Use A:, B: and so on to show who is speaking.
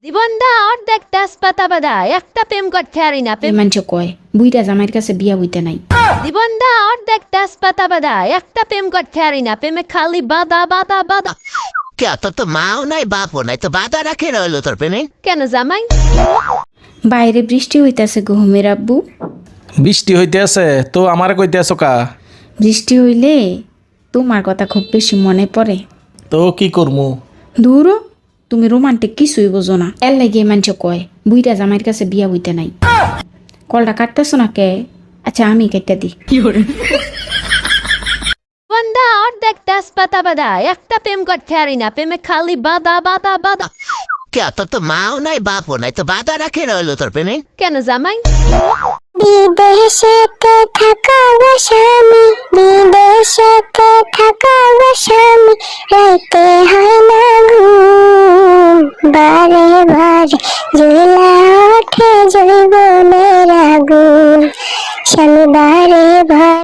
A: জীবনটা অর্ধেক তেজপাতা বাদা একটা প্রেম করতে পারি না
B: এই মানুষ কয় বুইটা জামাইয়ের কাছে বিয়া হইতে নাই।
A: জীবনটা অর্ধেক তেজপাতা বাদা একটা প্রেম করতে পারি না প্রেমে খালি বাদা বাদা বাদা।
C: কে তোর তো মাও নাই বাপও নাই, তো বাধা রাখে রইলো তোর প্রেমে।
A: কেন জামাই?
B: বাইরে বৃষ্টি হইতাছে গহমের আব্বু।
D: বৃষ্টি হইতে আছে তো আমার কইতে আছো কা?
B: বৃষ্টি হইলে তোমার কথা খুব বেশি মনে পড়ে।
D: তো কি করমু?
B: দূর, তুমি রোমান্টিক কিছুই বোঝো না। এর লাগে মানুষ কয় বুইটা জামাইয়ের কাছে বিয়া হইতে নাই। কলটা কাটতেছো না কে? আচ্ছা আমি কেটে দিই।
A: জীবনটা অর্ধেক তেজপাতা বাদা একটা প্রেম করতে পারি না প্রেমে খালি বাদা বাদা বাদা।
C: কে তোর তো মাও নাই বাপও নাই, তো বাধা রাখে রইলো তোর প্রেমে।
A: কেন জামাই?
E: বিদেশেতে থাকা স্বামী, বিদেশেতে থাকা স্বামী, রাইতে হয় না ঘুম, বারে বারে জ্বলা ওঠে জৈবনের আগুন, স্বামী বারে বারে